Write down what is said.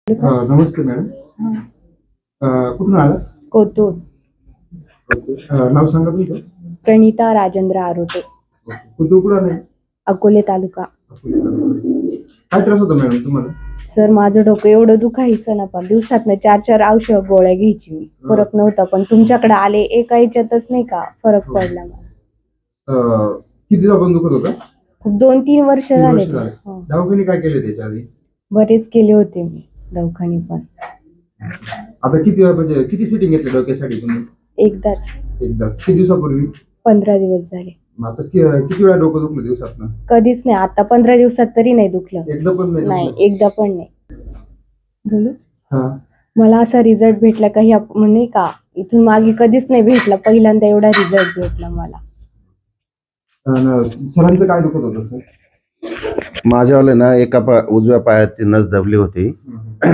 नमस्ते madam. कुठून आला? कोतूर. नाव सांगा तुमचं. प्रणिता राजेंद्र आरोटे, कुठून कुठं आलाय? अकोले तालुका. काय त्रास होता मॅडम तुम्हाला? सर, माझं डोकं एवढं दुखायचं ना, पण दिवसातनं 4 औषध गोळ्या घ्यायची मी, फरक नव्हता. पण तुमच्याकडे आले एका याच्यातच नाही का फरक पडला मला. किती दिवसापासून दुखत होता? 2-3 वर्ष झाले. दवाखाने काय केले त्याच्या आधी? बरेच केले होते मी दवाखाने, पण आता किती म्हणजे किती सिटिंग घेतली डोक्यासाठी तुम्ही? एकदाच किती दिवसापूर्वी? 15 दिवस झाले. आता किती वेळा डोकं दुखलं दिवसातनं? कधीच नाही. आता 15 दिवसात तरी नाही दुखलं. एकदा पण नाही? नाही, एकदा पण नाही. बोलू? हा. मला असा रिझल्ट भेटला काही म्हणे का, इथून मागे कधीच नाही भेटला. पहिल्यांदा एवढा रिझल्ट भेटला मला. सरांचं काय दुखत होतं सर? माझ्यावाले ना एका उजव्या पायाची नस दबली होती.